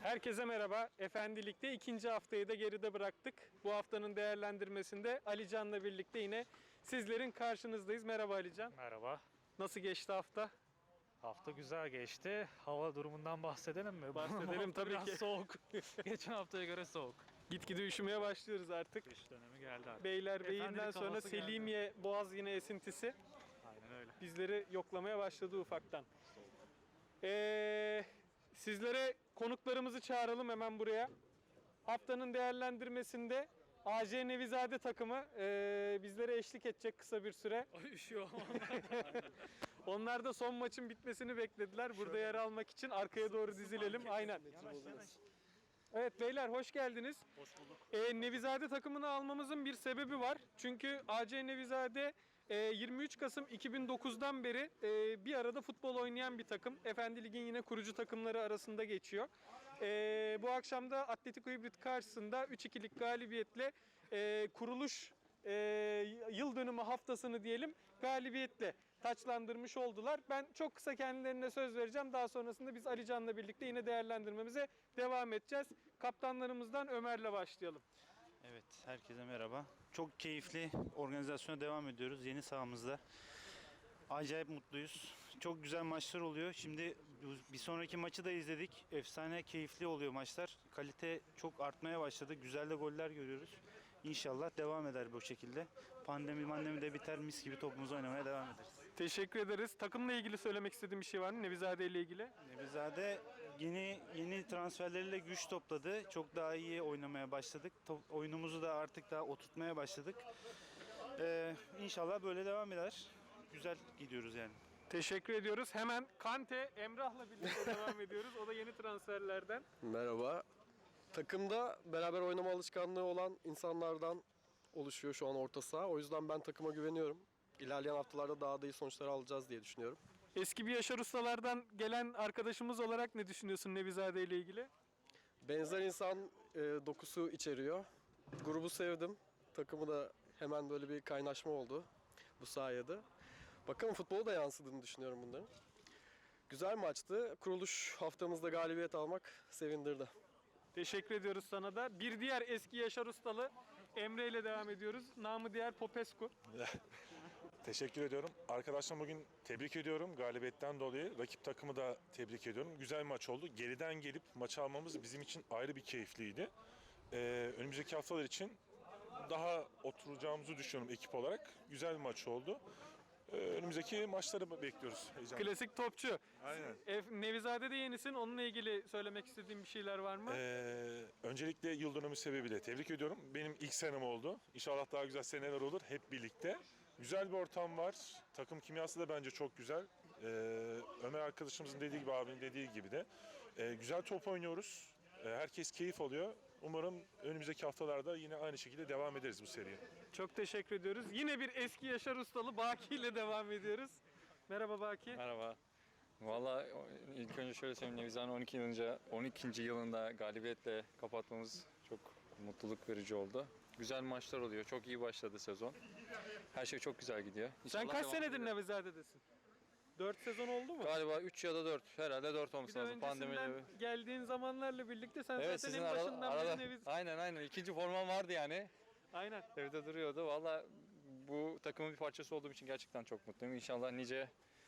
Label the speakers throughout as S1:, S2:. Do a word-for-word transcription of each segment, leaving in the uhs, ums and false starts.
S1: Herkese merhaba. Efendilik'te ikinci haftayı da geride bıraktık. Bu haftanın değerlendirmesinde Ali Can'la birlikte yine sizlerin karşınızdayız. Merhaba Ali Can.
S2: Merhaba.
S1: Nasıl geçti hafta?
S2: Hafta güzel geçti. Hava durumundan bahsedelim mi?
S1: Bahsedelim tabii
S2: biraz
S1: ki.
S2: soğuk. Geçen haftaya göre soğuk.
S1: Gitgide üşümeye başlıyoruz artık.
S2: Kış dönemi geldi artık.
S1: Beylerbeyi'nden
S2: Efendilik
S1: sonra
S2: havası geldi.
S1: Selimiye Boğaz yine esintisi
S2: Aynen öyle.
S1: bizleri yoklamaya başladı ufaktan. Ee, sizlere konuklarımızı çağıralım hemen buraya. Haftanın değerlendirmesinde A J Nevizade takımı e, bizlere eşlik edecek kısa bir süre.
S2: Ay üşüyor ama.
S1: Onlar da son maçın bitmesini beklediler. Burada yer almak için arkaya doğru dizilelim. Aynen. Evet beyler hoş geldiniz.
S2: Hoş bulduk.
S1: E, Nevizade takımını almamızın bir sebebi var. Çünkü A C Nevizade e, yirmi üç Kasım iki bin dokuzdan beri e, bir arada futbol oynayan bir takım. Efendi Lig'in yine kurucu takımları arasında geçiyor. E, bu akşam da Atletico Hibrit karşısında üç ikilik galibiyetle e, kuruluş e, yıl dönümü haftasını diyelim galibiyetle taçlandırmış oldular. Ben çok kısa kendilerine söz vereceğim. Daha sonrasında biz Ali Can'la birlikte yine değerlendirmemize devam edeceğiz. Kaptanlarımızdan Ömer'le başlayalım.
S3: Evet, herkese merhaba. Çok keyifli organizasyona devam ediyoruz yeni sahamızda. Acayip mutluyuz. Çok güzel maçlar oluyor. Şimdi bir sonraki maçı da izledik. Efsane keyifli oluyor maçlar. Kalite çok artmaya başladı. Güzel de goller görüyoruz. İnşallah devam eder bu şekilde. Pandemi mandemi de biter, mis gibi topumuzu oynamaya devam ederiz.
S1: Teşekkür ederiz. Takımla ilgili söylemek istediğim bir şey var mı? Nevizade ile ilgili.
S3: Nevizade yeni yeni transferleriyle güç topladı. Çok daha iyi oynamaya başladık. Top, oyunumuzu da artık daha oturtmaya başladık. Ee, İnşallah böyle devam eder. Güzel gidiyoruz yani.
S1: Teşekkür ediyoruz. Hemen Kante, Emrah'la birlikte devam ediyoruz. O da yeni transferlerden.
S4: Merhaba. Takımda beraber oynama alışkanlığı olan insanlardan oluşuyor şu an orta saha. O yüzden ben takıma güveniyorum. İlerleyen haftalarda daha da iyi sonuçlar alacağız diye düşünüyorum.
S1: Eski bir Yaşar Ustalardan gelen arkadaşımız olarak ne düşünüyorsun Nevizade ile ilgili?
S4: Benzer insan e, dokusu içeriyor. Grubu sevdim. Takımı da hemen böyle bir kaynaşma oldu bu sayede. Bakalım futbolu da yansıdığını düşünüyorum bunların. Güzel maçtı. Kuruluş haftamızda galibiyet almak sevindirdi.
S1: Teşekkür ediyoruz sana da. Bir diğer eski Yaşar Ustalı Emre ile devam ediyoruz. Namı diğer Popescu.
S5: Teşekkür ediyorum. Arkadaşlar bugün tebrik ediyorum galibiyetten dolayı. Rakip takımı da tebrik ediyorum. Güzel bir maç oldu. Geriden gelip maçı almamız bizim için ayrı bir keyifliydi. Ee, önümüzdeki haftalar için daha oturacağımızı düşünüyorum ekip olarak. Güzel bir maç oldu. Ee, önümüzdeki maçları bekliyoruz heyecanla.
S1: Klasik topçu.
S5: Aynen.
S1: E, Nevizade de yenisin. Onunla ilgili söylemek istediğim bir şeyler var mı?
S5: Ee, öncelikle yıl dönümü sebebiyle tebrik ediyorum. Benim ilk senem oldu. İnşallah daha güzel seneler olur hep birlikte. Güzel bir ortam var. Takım kimyası da bence çok güzel. Ee, Ömer arkadaşımızın dediği gibi, abinin dediği gibi de. Ee, güzel top oynuyoruz. Ee, herkes keyif alıyor. Umarım önümüzdeki haftalarda yine aynı şekilde devam ederiz bu seriye.
S1: Çok teşekkür ediyoruz. Yine bir eski Yaşar Ustalı Baki ile devam ediyoruz. Merhaba Baki.
S6: Merhaba. Valla ilk önce şöyle söyleyeyim, Nevizade'nin on iki yılınca on ikinci yılında galibiyetle kapatmamız çok mutluluk verici oldu. Güzel maçlar oluyor. Çok iyi başladı sezon. Her şey çok güzel gidiyor.
S1: Sen
S6: İnşallah
S1: kaç
S6: devam
S1: senedir
S6: eder.
S1: Nevizade'desin? dört sezon oldu mu?
S6: Galiba üç ya da dört. Herhalde dört
S1: Bir
S6: olması
S1: de
S6: lazım.
S1: öncesinden
S6: Pandemiyle.
S1: geldiğin zamanlarla birlikte sen
S6: Evet,
S1: zaten
S6: sizin
S1: en
S6: arada,
S1: başından
S6: arada
S1: beri Neviz...
S6: aynen aynen ikinci formam vardı yani.
S1: Aynen.
S6: Evde duruyordu. Valla bu takımın bir parçası olduğum için gerçekten çok mutluyum. İnşallah nice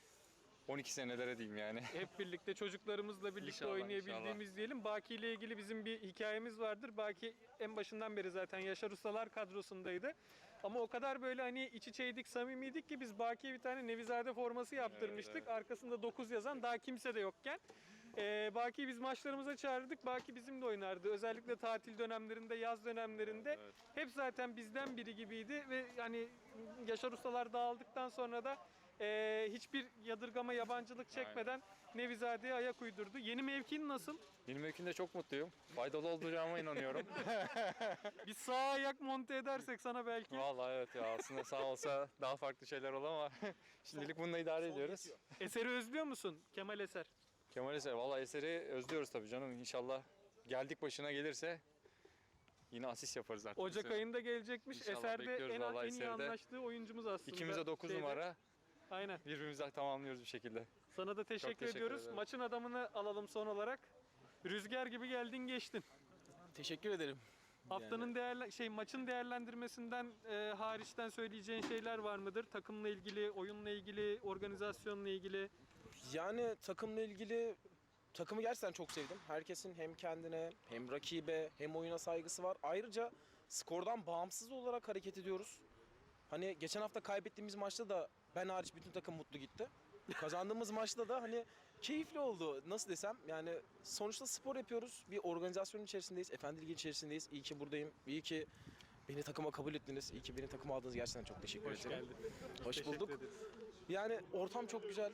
S6: on iki senelere diyeyim yani.
S1: Hep birlikte çocuklarımızla birlikte
S6: İnşallah,
S1: oynayabildiğimiz
S6: inşallah.
S1: diyelim. Baki ile ilgili bizim bir hikayemiz vardır. Baki en başından beri zaten Yaşar Ustalar kadrosundaydı. Ama o kadar böyle hani iç içeydik, samimiydik ki biz Baki'ye bir tane Nevizade forması yaptırmıştık.
S6: Evet, evet.
S1: Arkasında dokuz yazan, daha kimse de yokken. Ee, Baki'yi biz maçlarımıza çağırdık. Baki bizimle oynardı. Özellikle tatil dönemlerinde, yaz dönemlerinde.
S6: Evet.
S1: Hep zaten bizden biri gibiydi ve yani Yaşar Ustalar dağıldıktan sonra da e, hiçbir yadırgama, yabancılık çekmeden Nevizade'ye ayak uydurdu. Yeni mevkin nasıl?
S6: Benim mevkinde çok mutluyum. Faydalı olacağıma inanıyorum.
S1: Bir sağ ayak monte edersek sana belki.
S6: Vallahi evet ya, aslında sağ olsa daha farklı şeyler olur ama şimdilik bununla idare ediyoruz.
S1: Eseri özlüyor musun Kemal Eser?
S6: Kemal Eser, vallahi Eser'i özlüyoruz tabii canım. İnşallah geldik başına gelirse yine asist yaparız artık.
S1: Ocak ayında gelecekmiş.
S6: İnşallah
S1: Eser de
S6: bekliyoruz
S1: en,
S6: vallahi
S1: en iyi
S6: Eser'i de.
S1: anlaştığı oyuncumuz aslında.
S6: İkimiz de dokuz
S1: Şeyde.
S6: numara.
S1: Aynen.
S6: Birbirimizi tamamlıyoruz bir şekilde.
S1: Sana da teşekkür,
S6: teşekkür
S1: ediyoruz.
S6: ederim.
S1: Maçın adamını alalım son olarak. Rüzgar gibi geldin geçtin.
S7: Teşekkür ederim.
S1: Haftanın değerli şey maçın değerlendirmesinden e, hariçten söyleyeceğin şeyler var mıdır? Takımla ilgili, oyunla ilgili, organizasyonla ilgili.
S7: Yani takımla ilgili takımı gerçekten çok sevdim. Herkesin hem kendine hem rakibe hem oyuna saygısı var. Ayrıca skordan bağımsız olarak hareket ediyoruz. Hani geçen hafta kaybettiğimiz maçta da ben hariç bütün takım mutlu gitti. Kazandığımız maçta da hani keyifli oldu. Nasıl desem yani sonuçta spor yapıyoruz. Bir organizasyon içerisindeyiz. Efendi Ligi içerisindeyiz. İyi ki buradayım. İyi ki beni takıma kabul ettiniz. İyi ki beni takıma aldınız. Gerçekten çok teşekkür
S1: Hoş
S7: ederim.
S1: geldin.
S7: Hoş
S1: Teşekkür
S7: bulduk.
S1: ederiz.
S7: Yani ortam çok güzel.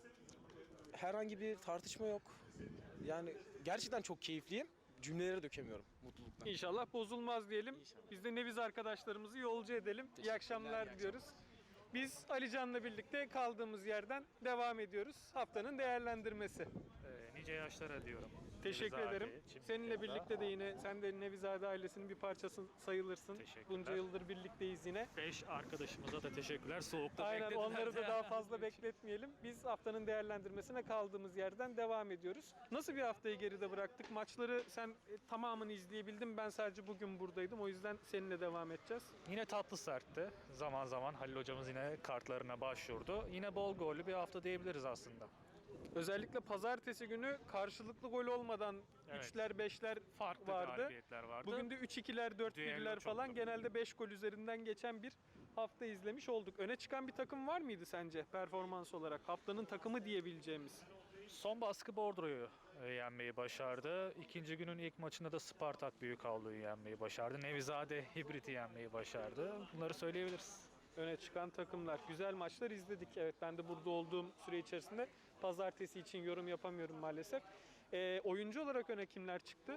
S7: Herhangi bir tartışma yok. Yani gerçekten çok keyifliyim. Cümleleri dökemiyorum mutluluktan.
S1: İnşallah bozulmaz diyelim.
S7: İnşallah.
S1: Biz de Neviz arkadaşlarımızı yolcu edelim. İyi
S7: Teşekkürler,
S1: akşamlar
S7: iyi
S1: diliyoruz. Biz Ali Can'la birlikte kaldığımız yerden devam ediyoruz. Haftanın değerlendirmesi.
S2: Ee, nice yaşlara diyorum.
S1: Teşekkür
S2: Nevizade,
S1: ederim.
S2: Çimdikli'de.
S1: Seninle birlikte de yine sen de Nevizade ailesinin bir parçası sayılırsın.
S2: Teşekkürler.
S1: Bunca yıldır birlikteyiz yine.
S2: Beş arkadaşımıza da teşekkürler. Soğukta
S1: Aynen
S2: beklediler.
S1: onları da daha fazla bekletmeyelim. Biz haftanın değerlendirmesine kaldığımız yerden devam ediyoruz. Nasıl bir haftayı geride bıraktık? Maçları sen e, tamamını izleyebildin. Ben sadece bugün buradaydım. O yüzden seninle devam edeceğiz.
S2: Yine tatlı sertti. Zaman zaman Halil hocamız yine kartlarına başvurdu. Yine bol gollü bir hafta diyebiliriz aslında.
S1: Özellikle pazartesi günü karşılıklı gol olmadan
S2: Evet.
S1: üçler beşler
S2: Farklı
S1: vardı.
S2: galibiyetler vardı.
S1: Bugün de üç ikiler dört
S2: Düello
S1: birler
S2: çoktu.
S1: falan genelde beş gol üzerinden geçen bir hafta izlemiş olduk. Öne çıkan bir takım var mıydı sence performans olarak? Haftanın takımı diyebileceğimiz.
S2: Son baskı Bordro'yu e, yenmeyi başardı. İkinci günün ilk maçında da Spartak Büyükavlu'yu yenmeyi başardı. Nevizade Hibrit'i yenmeyi başardı. Bunları söyleyebiliriz.
S1: Öne çıkan takımlar. Güzel maçlar izledik. Evet, ben de burada olduğum süre içerisinde pazartesi için yorum yapamıyorum maalesef. Ee, oyuncu olarak öne kimler çıktı?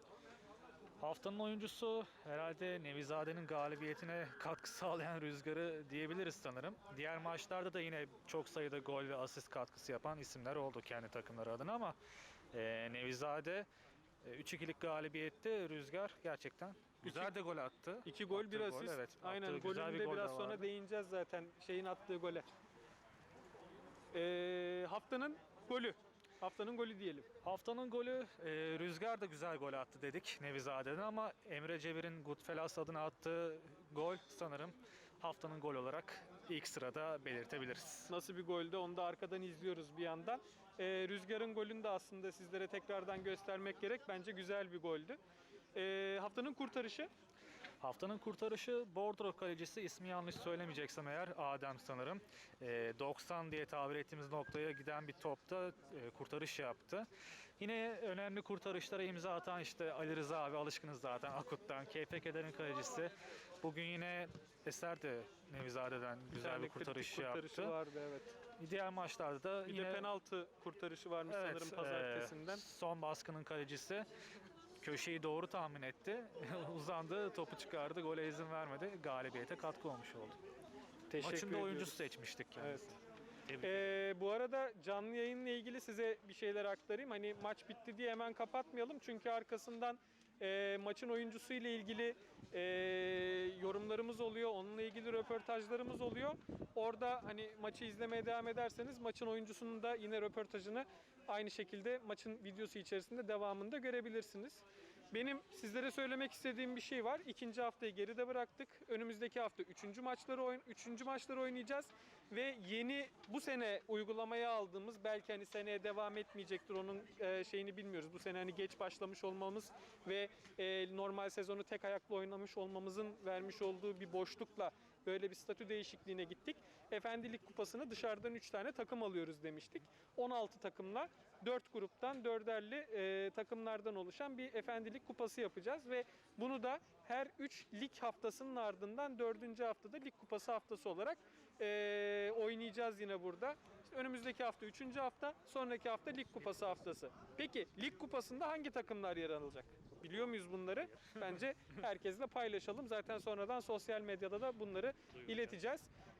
S2: Haftanın oyuncusu herhalde Nevizade'nin galibiyetine katkı sağlayan Rüzgar'ı diyebiliriz sanırım. Diğer maçlarda da yine çok sayıda gol ve asist katkısı yapan isimler oldu kendi takımları adına ama e, Nevizade e, üç ikilik galibiyette Rüzgar gerçekten güzel de gol attı.
S1: İki gol, bir
S2: Attığı
S1: asist.
S2: evet,
S1: Aynen,
S2: attığı güzel bir
S1: golünde
S2: gol de
S1: biraz sonra
S2: vardı.
S1: değineceğiz zaten şeyin attığı gole. Ee, haftanın golü. Haftanın golü diyelim.
S2: Haftanın golü e, Rüzgar da güzel gol attı dedik Nevizade'den ama Emre Cevir'in Goodfellas adına attığı gol sanırım haftanın gol olarak ilk sırada belirtebiliriz.
S1: Nasıl bir goldü onu da arkadan izliyoruz bir yandan. Ee, Rüzgar'ın golünü de aslında sizlere tekrardan göstermek gerek. Bence güzel bir goldü. Ee, haftanın kurtarışı.
S2: Haftanın kurtarışı Bordro kalecisi, ismi yanlış söylemeyeceksem eğer, Adem sanırım. E, doksan diye tabir ettiğimiz noktaya giden bir topta e, kurtarış yaptı. Yine önemli kurtarışlara imza atan işte Ali Rıza abi, alışkınız zaten Akut'tan. K P K'lerin kalecisi. Bugün yine Eser de Nevizade'den güzel
S1: tane
S2: bir kurtarış
S1: kritik kurtarışı
S2: yaptı.
S1: vardı, evet.
S2: Diğer maçlarda da
S1: Bir
S2: yine
S1: de penaltı kurtarışı varmış
S2: evet,
S1: sanırım pazartesinden.
S2: e, son baskının kalecisi köşeyi doğru tahmin etti. Uzandı, topu çıkardı, gole izin vermedi. Galibiyete katkı olmuş oldu.
S1: Teşekkür
S2: Maçın da
S1: ediyoruz.
S2: oyuncusu seçmiştik kendisini. Tebrik
S1: Ee, bu arada canlı yayınla ilgili size bir şeyler aktarayım. Hani maç bitti diye hemen kapatmayalım. Çünkü arkasından e, maçın oyuncusu ile ilgili e, yorumlarımız oluyor. Onunla ilgili röportajlarımız oluyor. Orada hani maçı izlemeye devam ederseniz maçın oyuncusunun da yine röportajını aynı şekilde maçın videosu içerisinde devamında görebilirsiniz. Benim sizlere söylemek istediğim bir şey var. İkinci haftayı geride bıraktık. Önümüzdeki hafta üçüncü maçları oyun üçüncü maçları oynayacağız ve yeni bu sene uygulamaya aldığımız, belki hani seneye devam etmeyecektir, onun e, şeyini bilmiyoruz. Bu sene hani geç başlamış olmamız ve e, normal sezonu tek ayaklı oynamış olmamızın vermiş olduğu bir boşlukla böyle bir statü değişikliğine gittik. Efendilik Kupası'nı dışarıdan üç tane takım alıyoruz demiştik. on altı takımla dört gruptan dörderli e, takımlardan oluşan bir Efendilik Kupası yapacağız ve bunu da her üç lig haftasının ardından dördüncü haftada Lig Kupası haftası olarak e, oynayacağız yine burada. İşte önümüzdeki hafta üçüncü hafta, sonraki hafta Lig Kupası haftası. Peki Lig Kupası'nda hangi takımlar yer alacak? Biliyor muyuz bunları? Bence herkesle paylaşalım. Zaten sonradan sosyal medyada da bunları ileteceğiz.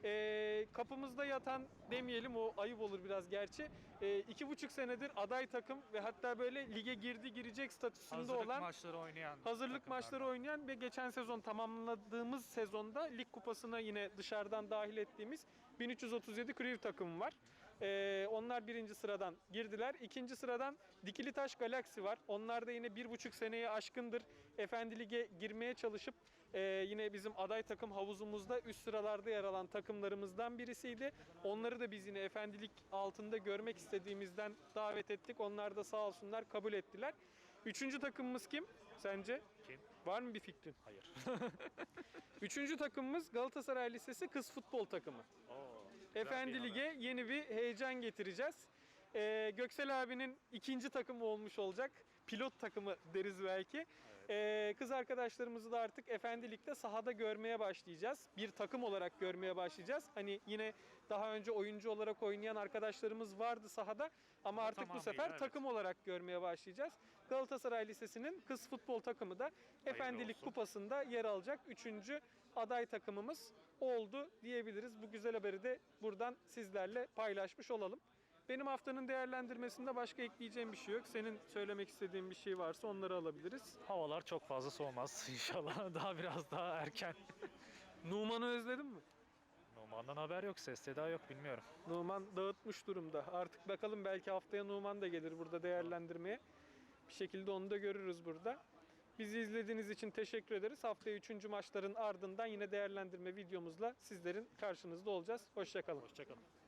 S1: Ee, kapımızda yatan demeyelim, o ayıp olur biraz gerçi. Ee, iki buçuk senedir aday takım ve hatta böyle lige girdi girecek statüsünde
S2: Hazırlık
S1: olan
S2: maçları oynayan
S1: hazırlık
S2: takımlar.
S1: maçları oynayan ve geçen sezon tamamladığımız sezonda Lig Kupası'na yine dışarıdan dahil ettiğimiz bin üç yüz otuz yedi Kriv takımı var. Ee, onlar birinci sıradan girdiler. İkinci sıradan Dikili Taş Galaxy var. Onlar da yine bir buçuk seneye aşkındır Efendi Lig'e girmeye çalışıp e, yine bizim aday takım havuzumuzda üst sıralarda yer alan takımlarımızdan birisiydi. Onları da biz yine Efendi Lig altında görmek istediğimizden davet ettik. Onlar da sağ olsunlar kabul ettiler. Üçüncü takımımız kim sence?
S2: Kim?
S1: Var mı bir fikrin?
S2: Hayır.
S1: Üçüncü takımımız Galatasaray Lisesi kız futbol takımı. Efendi Lig'e yeni bir heyecan getireceğiz. Ee, Göksel abinin ikinci takımı olmuş olacak. Pilot takımı deriz belki. Ee, kız arkadaşlarımızı da artık Efendi Lig'de sahada görmeye başlayacağız. Bir takım olarak görmeye başlayacağız. Hani yine daha önce oyuncu olarak oynayan arkadaşlarımız vardı sahada. Ama artık bu
S2: tamamıyla,
S1: sefer
S2: evet.
S1: takım olarak görmeye başlayacağız. Galatasaray Lisesi'nin kız futbol takımı da Efendi Lig
S2: olsun.
S1: Kupası'nda yer alacak. Üçüncü aday takımımız oldu diyebiliriz. Bu güzel haberi de buradan sizlerle paylaşmış olalım. Benim haftanın değerlendirmesinde başka ekleyeceğim bir şey yok. Senin söylemek istediğin bir şey varsa onları alabiliriz.
S2: Havalar çok fazla soğumaz inşallah. Daha biraz daha erken.
S1: Numan'ı özledin mi?
S2: Numan'dan haber yok, ses seda yok, bilmiyorum.
S1: Numan dağıtmış durumda. Artık bakalım belki haftaya Numan da gelir burada değerlendirmeye. Bir şekilde onu da görürüz burada. Bizi izlediğiniz için teşekkür ederiz. Haftaya üçüncü maçların ardından yine değerlendirme videomuzla sizlerin karşınızda olacağız. Hoşça kalın.
S2: Hoşçakalın.